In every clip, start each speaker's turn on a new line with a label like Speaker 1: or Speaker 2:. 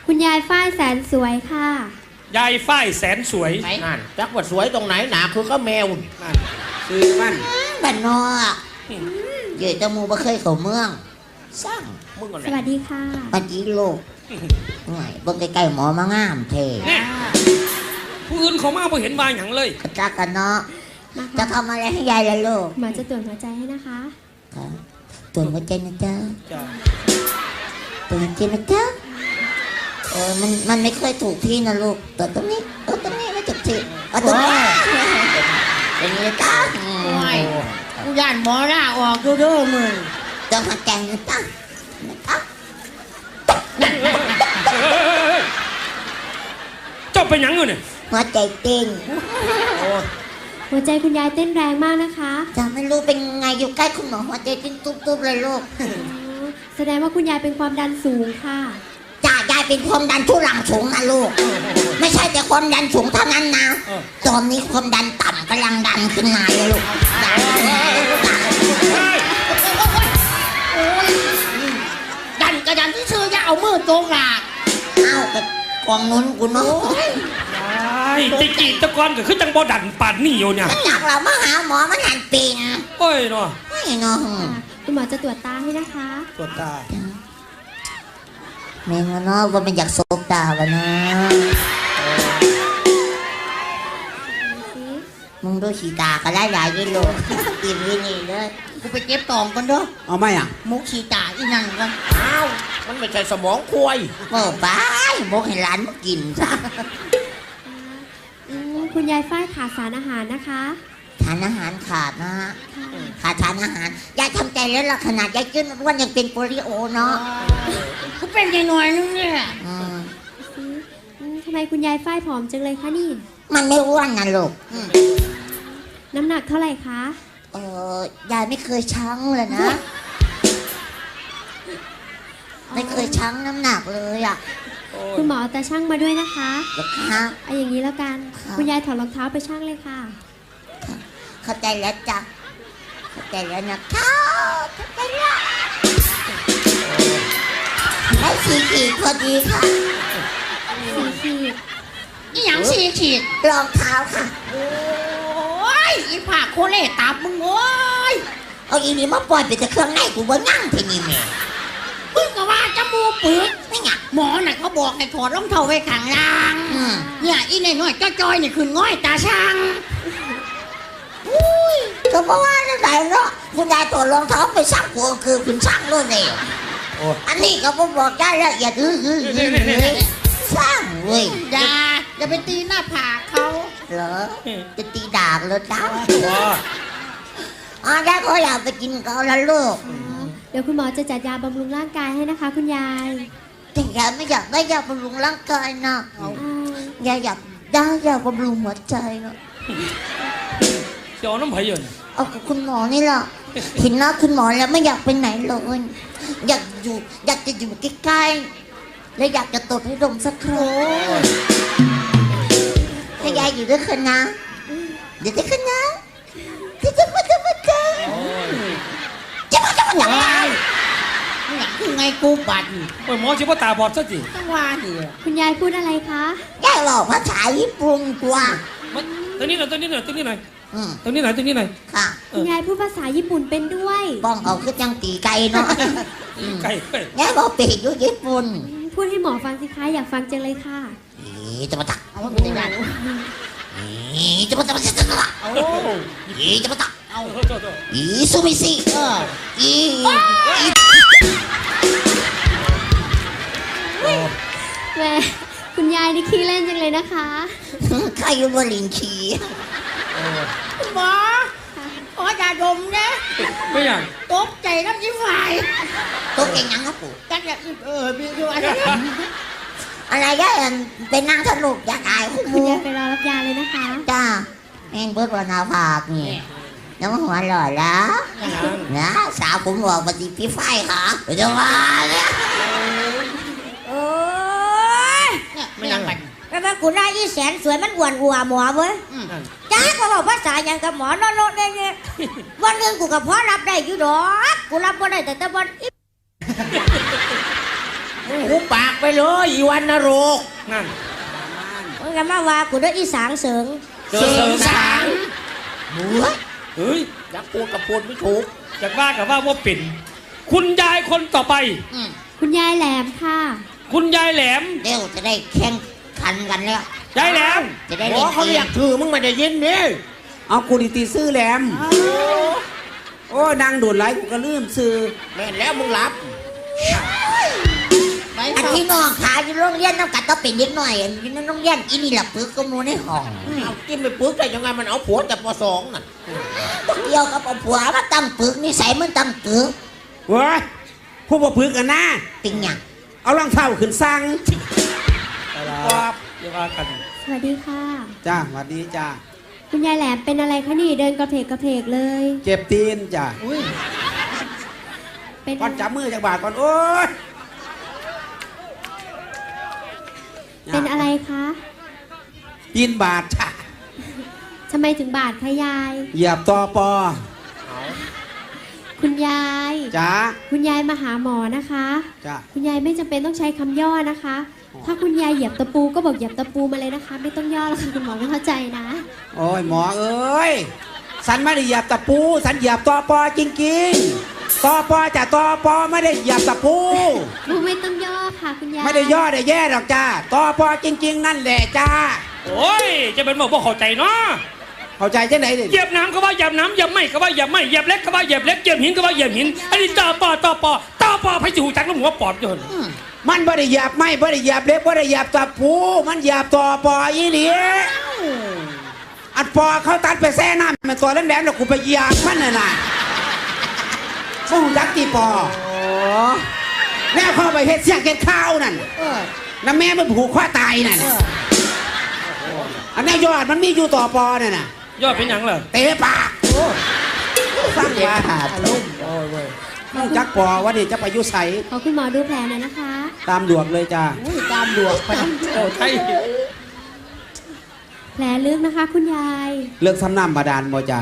Speaker 1: คุณยายฝ้ายแสนสวยค่ะ
Speaker 2: ยายฝ้ายแสนสวย
Speaker 3: นั่นจักว่าสวยตรงไหนหนาคือก็แมวนั่นคือมัน
Speaker 4: บ้านนอกเดี๋ยวจะมูบ่เคยเข้าเมืองสร้าง
Speaker 3: มึงอะไร
Speaker 1: สวัสดีค่ะ
Speaker 4: ปัจจิโลกหน่อยเบิ่งใกล้ๆหมอมางามเท่
Speaker 2: ผู้อื่นเขามาบ่เห็นว่าหยังเลย
Speaker 4: กระจักกันเนาะจะทำอะไรให้ยายล่ะลูก
Speaker 1: หมอจะตรวจหัวใจให้นะคะ
Speaker 4: ครับตรวจหัวใจนะจ๊ะตรวจหัวใจนะจ๊ะมันไม่เคยถูกที่นะลูกตรวจตรงนี้ตรงนี้ไม่ถูกที่ตรงนี้เป็นไงจ๊ะ
Speaker 3: กูย่านหมอหน้าออกดูเด้อมึง
Speaker 4: ตรวจหัวใจนะจ๊ะ
Speaker 2: เจ้าเป็นหยังอยู่เนี่ย
Speaker 4: หัวใจเต้น
Speaker 1: หัวใจคุณยายเต้นแรงมากนะคะ
Speaker 4: จะไม่รู้เป็นไงอยู่ใกล้คุณหมอหัวใจเต้นตุ๊บๆเลยลูก
Speaker 1: แสดงว่าคุณยายเป็นความดันสูงค่ะ
Speaker 4: จ้ายายเป็นความดันทุรังสูงนะลูกไม่ใช่แต่ความดันสูงเท่านั้นนะตอนนี้ความดันต่ำกำลังดันขึ้นมาเลยลูก
Speaker 3: ดันกระดันที่ชื่อจะเอามือตรงหลัก
Speaker 4: กับกองนุ้นกูเนาะ
Speaker 2: ตะกี้ตะกอนก็คือจังบ่ดันปานนี่อยู่เนี่ย
Speaker 4: อยากเรามาหาหมอมันหันปีน
Speaker 2: โอ้ยเนาะ
Speaker 1: คุณหมอจะตรวจตาให้นะคะ
Speaker 2: ตรวจตา
Speaker 4: เมงเนาะว่ามันอยากซบตาวะนะมึงดูสีตาก็ได้หลายกิโลกินวินี่เลย
Speaker 3: กูไปเก็บตองกันเด้อ
Speaker 2: เอาไหมอ่ะ
Speaker 3: มุกสีตาอีนั่นกันอ้าวมันไม่ใช่สมองควาย
Speaker 4: โอ้ป้ายมุกให้ร้านกินซะ
Speaker 1: คุณยายฝ้ายขาดสารอาหารนะคะ
Speaker 4: ทานอาหารขาดนะฮะขาดทานอาหารยายทำใจแล้วล่ะขนาดยายกินวันยังเป็นโปลิโอเนาะ
Speaker 3: กูเป็นยังหน่อยนึงเนี่ย
Speaker 1: ทำไมคุณยายฝ้ายผอมจังเลยคะนี่
Speaker 4: มันไม่อ้วนนะลูก
Speaker 1: น้ำหนักเท่าไหร่คะ
Speaker 4: ยายไม่เคยชั่งเลยนะไม่เคยชั่งน้ำหนักเลยอ่ะ
Speaker 1: คุณหมอแต่ช่างมาด้วยนะคะ
Speaker 4: ค่ะ
Speaker 1: เอาอย่างนี้แล้วกันคุณยายถอดรองเท้าไปช่างเลยค่ะ
Speaker 4: เข้าใจแล้วจ้ะเข้าใจแล้วนะเข้าใจแล้วได้4 ขีดพอดีค่ะ
Speaker 1: 4 ขีด
Speaker 3: นี่อย่าง4 ขีด
Speaker 4: รองเท้าค่ะ
Speaker 3: โอ้ยอีผาโคเล่ตับมึงโอ้ย
Speaker 4: เอาอีนี่มาปล่อยไปแต่เครื่องในกูว่านั่งทีนี่แม่
Speaker 3: มึงก็ว่าจมูกปืดไม่ไงหมอน่ะเขาบอกให้ถอดรองเท้าไว้ข้างล่างเนี่ยอีน้อยๆจ้อยๆนี่คือง่อยตาช่าง
Speaker 4: ก็เพราะว่านั่นไหนเนาะคุณยายถอดรองเท้าไปซักหัวคือคุณช่างเลยเนี่ยอันนี้ก็บอกได้ละเอียดสร้างเว้ย
Speaker 3: อย่าไปตีหน้าผากเขา
Speaker 4: เหรอจะตีดาบเลยจ้าได้ก็อยากไปกินเขาแล้วลูก
Speaker 1: เดี๋ยวคุณหมอจะจัดยาบำรุงร่างกายให้นะคะคุณยาย
Speaker 4: แต่ยายไม่อยากได้ยาบำรุงร่างกายนะยายอยากได้ยาบำรุงหัวใจนะ
Speaker 2: เดี๋ยวน้ำไผ่เยิน
Speaker 4: เอากับคุณหมอนี่แหละเห็นหน้าคุณหมอแล้วไม่อยากไปไหนเลยอยากจะอยู่ใกล้ๆและอยากจะตดให้ดมสักครั้งให้ยายอยู่ด้วยกันนะเดี๋ยวด้วยกันนะจะมา
Speaker 3: อย่างไรคือไงกูบัด
Speaker 2: โอ้ยหมอชิบะตาบอดซะจี
Speaker 3: ต้องว่าดิ
Speaker 1: คุณยายพูดอะไรคะ
Speaker 4: ยายบอกภาษาญี่ปุ่นกว่า
Speaker 2: ตัวนี้หน่อย
Speaker 4: ค่ะ
Speaker 1: คุณยายพูดภาษาญี่ปุ่นเป็นด้วย
Speaker 4: บ้องเอาคือจังตีไก่เนาะ
Speaker 2: ไก่
Speaker 4: ยายบอกเปย์อยู่ญี่ปุ่น
Speaker 1: พูดให้หมอฟังสิคะอยากฟังจังเลยค่ะ
Speaker 4: จะมาตักเอาไม่ได้จะมาตักจะมาตักอีซูมิซิ
Speaker 1: แม่คุณยายนี่ขี้เล่นจังเลยนะคะ
Speaker 4: ใครอยู่บนลิงขี้
Speaker 3: หมออย่าดมนะ
Speaker 2: ไม่อยาก
Speaker 3: ตกใจน้ำยิ้มไหว
Speaker 4: ตกใจยังครับปู่
Speaker 3: จังอยากมีด้วย
Speaker 4: อะไรก็เป็นนั่งสนุกอยากอาย
Speaker 1: คุณยายไปรอรับยาเลยนะคะ
Speaker 4: จ้าแม่งเบิร์ดวันอาภาคนี่น้ำหัวหล่อแล้วนะสาวผมบอกมาดีพี่ไฟค่ะจะมาเนี่ย
Speaker 3: โอ้ยไม่ยังไงแล้วมาคุณนายอีแสนสวยมันอ้วนอัวหมอเว้ยจ้าก็บอกภาษาอย่างกับหมอโน่นเนี่ยวันหนึ่งกูกับพ่อรับได้อยู่ดอกกูรับบ่ได้แต่วัน
Speaker 5: มึงหุบปากไปเลยอีวันนรก
Speaker 2: นั่น
Speaker 3: มึงกันมาว่ากูได้อีสางเสริง
Speaker 5: เสริงสาง
Speaker 2: เฮ้ย
Speaker 5: อยากพูดกับพูดไม่ถูก
Speaker 2: จากว่ากับว่าเป็นคุณยายคนต่อไป
Speaker 1: คุณยายแหลมค่ะ
Speaker 2: คุณยายแหลม
Speaker 4: เดี๋ยวจะได้แข่งขันกันแล้ว
Speaker 2: ยายแหลม
Speaker 4: จะได้
Speaker 5: หม
Speaker 4: เล่
Speaker 5: อน เขา
Speaker 4: เก
Speaker 5: เรีย
Speaker 4: ม
Speaker 5: กถือมึงไม่ได้ยินนี่
Speaker 6: เอากูดีตีซื้อแหลม โอ้นางโดดไหลกูก็ลืมซื้อ
Speaker 5: แม่นแล้วมึงหลับ
Speaker 4: อันที่น้องขาอยู่โรงเรียนน้ำกัดต้องเป็นเด็กหน่อยอยู่ในโรงเรียนอีนี่แหละปึกก็มูในห้อง
Speaker 5: เอากินไปปึกได้ยังไงมันเอาผัวแต่ปสองน่ะ
Speaker 4: เกี่ยวกับเอาผัวมาตั้งปึกนิสัยมันตั้งปึก
Speaker 6: เว้ยผู้บ่พึกกันนะ
Speaker 4: เป็นหยัง
Speaker 6: เอารองเท้าขึ้นสั่ง
Speaker 2: ครับเดี๋ยวว่ากัน
Speaker 1: สวัสดีค่ะ
Speaker 6: จ้าสวัสดีจ้า
Speaker 1: คุณยายแหลมเป็นอะไรคะนี่เดินกระเพกกระเพกเลย
Speaker 6: เจ็บตีนจ้า
Speaker 1: เป็น
Speaker 6: ก่อนจับมือจากบาทก่อนโอ้ย
Speaker 1: เป็นอะไรคะ
Speaker 6: ตีนบาทจ้า
Speaker 1: ทำไมถึงบาดคะยาย
Speaker 6: เหยียบตอปอ
Speaker 1: คุณยาย
Speaker 6: จ้า
Speaker 1: คุณยายมาหาหมอนะคะ
Speaker 6: จ้า
Speaker 1: คุณยายไม่จำเป็นต้องใช้คำย่อนะคะ ถ้าคุณยายเหยียบตะปูก็บอกเหยียบตะปูมาเลยนะคะ ไม่ต้องย่อแล้วค่ะคุณหมอไม่เข้าใจนะ
Speaker 6: โอ้ยหมอเอ้ยสันไม่ได้เหยียบตะปูสันเหยียบตอปอจริงๆตอปอจ้ะตอปอไม่ได้เหยียบตะปู
Speaker 1: ไม่ต้องย่อค่ะคุณยาย
Speaker 6: ไม่ได้ย่อได้แย่หรอกจ้าตอปอจริง ๆ นั่นแหละจ้า
Speaker 2: โอ้ยจะเป็นบอกว่าเข้าใจเนาะ
Speaker 6: เข้าใจจังไหนดิ
Speaker 2: เหยียบน้ำก็ว่าเหยียบน้ำเหยียบไม่ก็ว่าเหยียบไม่เหยียบเล็กก็ว่าเหยียบเล็กเหยียบหินก็ว่าเหยียบหินอันนี้ต่อปอให้จูจักแล้วหัวปอดจน
Speaker 6: มันไม่ได้เหยียบไม่ได้เหยียบเล็บไม่ได้เหยียบตะปูมันเหยียบตอปออีนี่อัดปอเขาตัดไปแซ่น้ำมันตัวแหลมๆแล้วกูไปเหยียบมันน่ะส่งจักตีปอแล้วเข้าไปเฮ็ดเสียงเก็ดข้าวนั่นน้ำแม่มันผูกคอตายนั่นอันนี้ยอดมันมีอยู่ต่อปอเนี่ยน่ะ
Speaker 2: ยอดเป็นหยังเหรอ
Speaker 6: เตะปากสร้างว่าน้องจักปอว่านี่จะไปอยุใส
Speaker 1: ขอคุณหมอดูแผลหน่อยนะคะ
Speaker 6: ตามดวกเลยจ้า
Speaker 5: ตามดวงไป
Speaker 2: โอ้ไทย
Speaker 1: แผลลึกนะคะ คุณยาย
Speaker 6: เลิกทำน้ำบาดาลบ่จ้า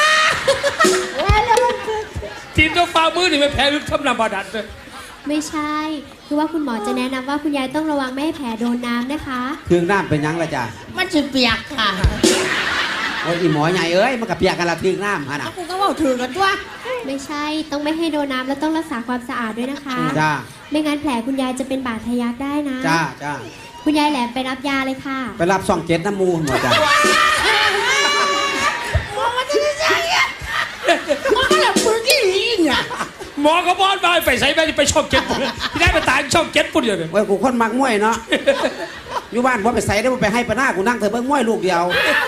Speaker 2: ทีมเจ้าฟ้ามือนี่ไม่แพ้ลึกทำนาบาดัดเลย
Speaker 1: ไม่ใช่ คือว่าคุณหมอจะแนะนำว่าคุณยายต้องระวังไม่ให้แผลโดนน้ำนะคะ
Speaker 6: เครื่องน้ำเป็นหยังละจ้า
Speaker 5: มันจะเปียกค่ะ
Speaker 6: โอ้ยอีหมอใหญ่เอ้ยมันกับเปียกกันละเครื่องน้ำฮะนะ
Speaker 5: กูก็ว่าถือกันตัว
Speaker 1: ไม่ใช่ ต้องไม่ให้โดนน้ำแล้วต้องรักษาความสะอาดด้วยนะคะ
Speaker 6: จ้า
Speaker 1: ไม่งั้นแผลคุณยายจะเป็นบาดทะยักได้นะ
Speaker 6: จ้าจ้า
Speaker 1: คุณยายแหลมไปรับยาเลยค่ะ
Speaker 6: ไปรับ2 7น้ำมูลหมดจ้า
Speaker 5: มันก็แบบปึกอีหลีเนี่ย
Speaker 2: หมอก็บอสมาไปใส่ไปช่องเก็ตปุ่นที่ได้ไปตายช่องเก็ตปุ่นอยู่เลย
Speaker 6: โอ้ยกูคนมักมวยเนาะอยู่บ้านพ่ไปใส่ได้บ่ไปให้ปะหน้ากูนั่งเถอะเบิ่งมวยลูกเดียว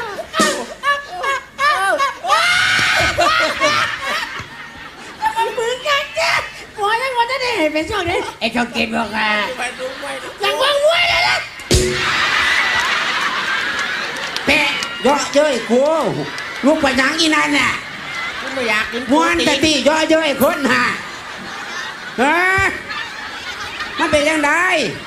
Speaker 5: มันปึกกันจ้ะหมอยังว่าจะได้เห็นเป็นช่องนี้ไอ้ช่องเกตบอกอ่ะยังว่างมวยเลยนะ
Speaker 6: แปะเยาะเย้ยกูลูกไปหยังอีนั่นน่ะ
Speaker 5: กูไม่อยากกิน
Speaker 6: ม้วนแต่ตีเยาะเย้ยคนหาฮะมันเป็นยังไง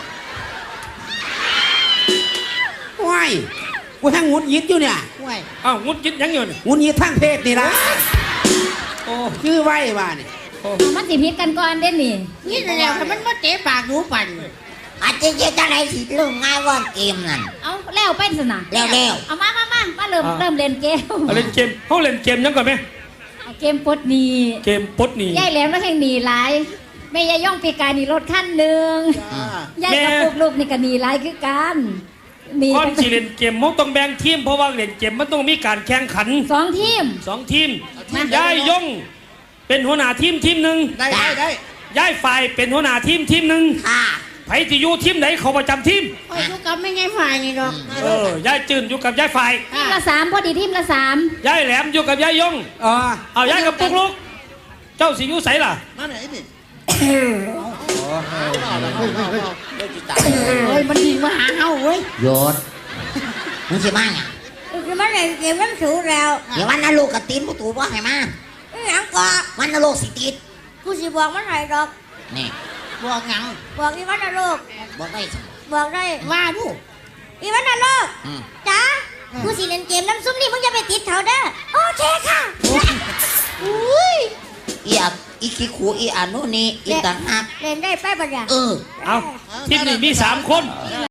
Speaker 6: ว้ายกูทั้งงุดยิดอยู่เนี่ย
Speaker 5: มวย
Speaker 2: อ้าวงุดยิดยังอยู่นี่
Speaker 6: งุดยิดทั้งเพศนี่ละ
Speaker 2: โอ้
Speaker 6: ชื่อไว้ว่านี่
Speaker 7: มันสิพิษกันก่อนเด้นี่
Speaker 5: นี่แหละมันมาเตะปากดูปั่น
Speaker 4: อาจจะเจจังไหนสิเรื่องง่ายว่าเกมนั่น
Speaker 7: เอาแล้วเป็นสนะ
Speaker 4: แล้ว
Speaker 7: เอามาเริ่มเล่นเกม
Speaker 2: เล่นเกมเขาเล่นเกมยังก่อนไหม
Speaker 7: เอาเกมปลดหนี
Speaker 2: เกมปลดหนี
Speaker 7: ยายแหลมแล้วแห่งหนีหลายแม่ยายย่องปีกายหนีรถขั้นหนึ่งยายกับลูกนี่ก็หนีหลายคือกันหนี
Speaker 2: ก่อนที่เล่นเกมมันต้องแบ่งทีมเพราะว่าเล่นเกมมันต้องมีการแข่งขัน
Speaker 7: 2 ทีม
Speaker 2: 2 ทีมย้ายยงเป็นหัวหน้าทีมหนึ่ง
Speaker 5: ได้
Speaker 2: ย้ายฝ่ายเป็นหัวหน้าทีมหนึ่ง
Speaker 4: ค่ะ
Speaker 2: ไผที่อยู่ทีมไหนเขาประจำทีม
Speaker 5: คอยดูกับไม่ไงฝ่ายนี่ดอก
Speaker 2: ย้ายจืนอยู่กับย้ายฝ่าย
Speaker 7: ทีมละ 3พอดีทีมละ
Speaker 2: ย้ายแหลมอยู่กับย้ายยง
Speaker 6: อ๋อ
Speaker 2: เอาย้ายกับปุ๊กลุกเจ้าสิอยู่ไสล่ะ
Speaker 5: มาไหนนี่เฮ้ยมันดีมาหาเฮาเว้ย
Speaker 4: โยนมึงสิมาเนี่ย
Speaker 3: คือมันเลยเกมมันสูงแล้ว
Speaker 4: เดี๋ยววันนั้นลูกกับตีนผู้ถูบ่ให้มา
Speaker 3: อหยังก็
Speaker 4: วันนั้นลูกสิติด
Speaker 3: กูสิบอกมันให้ดอก
Speaker 4: นี่
Speaker 5: บอกหยัง
Speaker 3: บอกอีวันนะลูก
Speaker 4: บอกได้สิ
Speaker 3: บอกได้
Speaker 5: ว่าดู
Speaker 3: อีวันนะลูก
Speaker 4: อืม
Speaker 3: จ้ากูสิเล่นเกมน้ำซุปนี่มึงอย่าไปติดเขาเด้อโอเคค่ะอุ้ย
Speaker 4: เอียบอีขี้ขูอีอานุนี่อีต่างหาก
Speaker 3: เล่นได้ไปปะเนี่ย
Speaker 4: เออ
Speaker 2: เอาทีมนี้มี3 คน